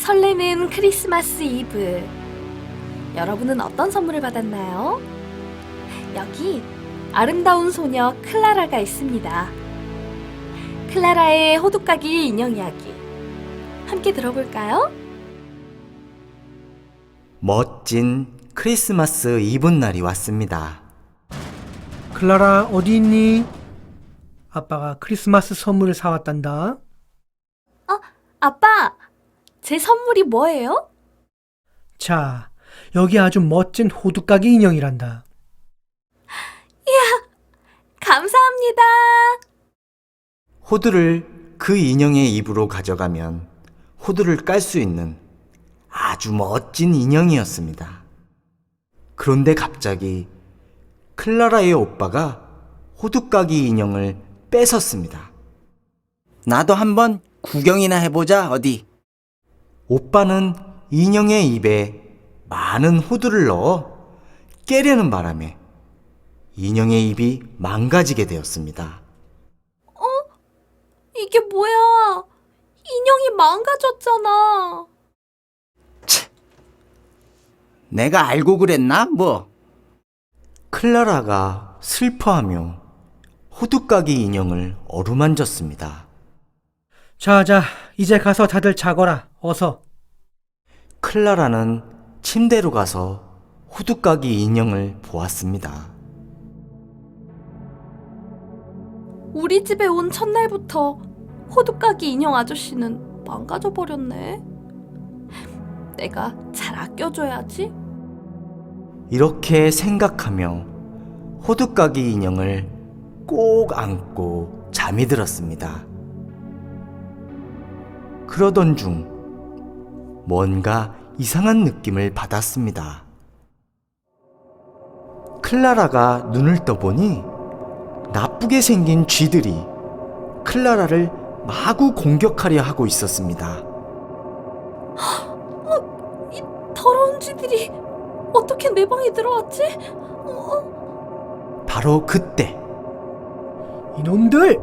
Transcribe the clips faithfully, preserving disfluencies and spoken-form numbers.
설레는 크리스마스 이브. 여러분은 어떤 선물을 받았나요? 여기 아름다운 소녀 클라라가 있습니다. 클라라의 호두까기 인형 이야기 함께 들어볼까요? 멋진 크리스마스 이브날이 왔습니다. 클라라, 어디 있니? 아빠가 크리스마스 선물을 사왔단다. 어, 아빠, 제 선물이 뭐예요? 자, 여기 아주 멋진 호두까기 인형이란다. 감사합니다. 호두를 그 인형의 입으로 가져가면 호두를 깔 수 있는 아주 멋진 인형이었습니다. 그런데 갑자기 클라라의 오빠가 호두까기 인형을 뺏었습니다. 나도 한번 구경이나 해보자, 어디. 오빠는 인형의 입에 많은 호두를 넣어 깨려는 바람에 인형의 입이 망가지게 되었습니다. 이게 뭐야? 인형이 망가졌잖아. 내가 알고 그랬나, 뭐. 클라라가 슬퍼하며 호두까기 인형을 어루만졌습니다. 자, 자, 이제 가서 다들 자거라. 어서. 클라라는 침대로 가서 호두까기 인형을 보았습니다. 우리 집에 온 첫날부터 호두까기 인형 아저씨는 망가져 버렸네. 내가 잘 아껴줘야지. 이렇게 생각하며 호두까기 인형을 꼭 안고 잠이 들었습니다. 그러던 중 뭔가 이상한 느낌을 받았습니다. 클라라가 눈을 떠보니 나쁘게 생긴 쥐들이 클라라를 마구 공격하려 하고 있었습니다. 이 더러운 쥐들이 어떻게 내 방에 들어왔지? 어? 바로 그때 이놈들!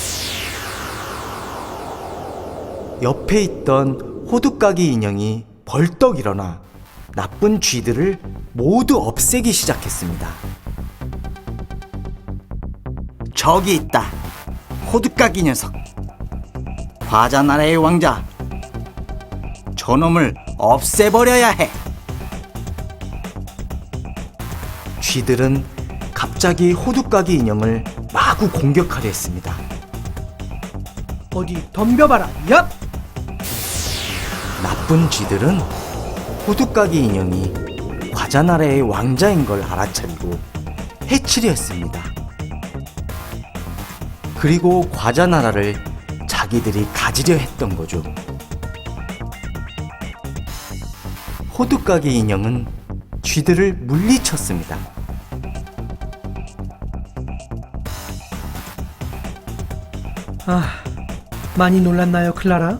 옆에 있던 호두까기 인형이 벌떡 일어나 나쁜 쥐들을 모두 없애기 시작했습니다. 저기 있다. 호두까기 녀석. 과자 나라의 왕자. 저놈을 없애버려야 해. 쥐들은 갑자기 호두까기 인형을 마구 공격하려 했습니다. 어디 덤벼봐라. 얍! 나쁜 쥐들은 호두까기 인형이 과자 나라의 왕자인 걸 알아차리고 해치려 했습니다. 그리고 과자 나라를 자기들이 가지려 했던 거죠. 호두까기 인형은 쥐들을 물리쳤습니다. 아, 많이 놀랐나요, 클라라?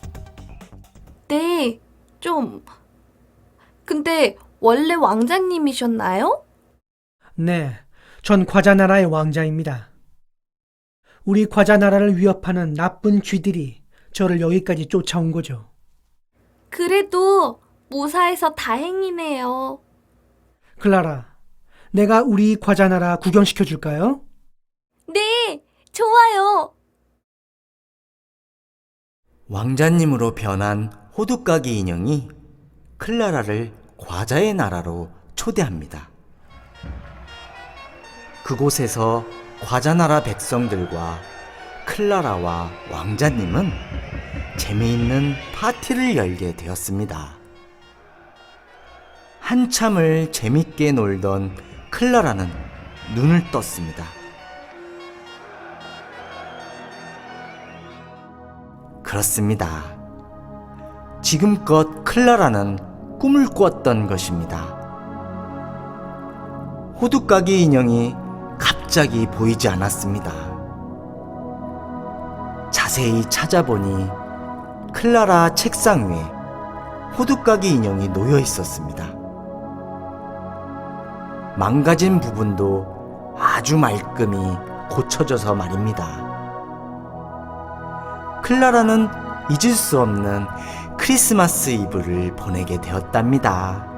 네, 좀. 근데 원래 왕자님이셨나요? 네, 전 과자 나라의 왕자입니다. 우리 과자 나라를 위협하는 나쁜 쥐들이 저를 여기까지 쫓아온 거죠. 그래도 무사해서 다행이네요. 클라라, 내가 우리 과자 나라 구경시켜 줄까요? 네, 좋아요. 왕자님으로 변한 호두까기 인형이 클라라를 과자의 나라로 초대합니다. 그곳에서 과자 나라 백성들과 클라라와 왕자님은 재미있는 파티를 열게 되었습니다. 한참을 재밌게 놀던 클라라는 눈을 떴습니다. 그렇습니다. 지금껏 클라라는 꿈을 꾸었던 것입니다. 호두까기 인형이 갑자기 보이지 않았습니다. 자세히 찾아보니 클라라 책상 위에 호두까기 인형이 놓여 있었습니다. 망가진 부분도 아주 말끔히 고쳐져서 말입니다. 클라라는 잊을 수 없는 크리스마스 이브를 보내게 되었답니다.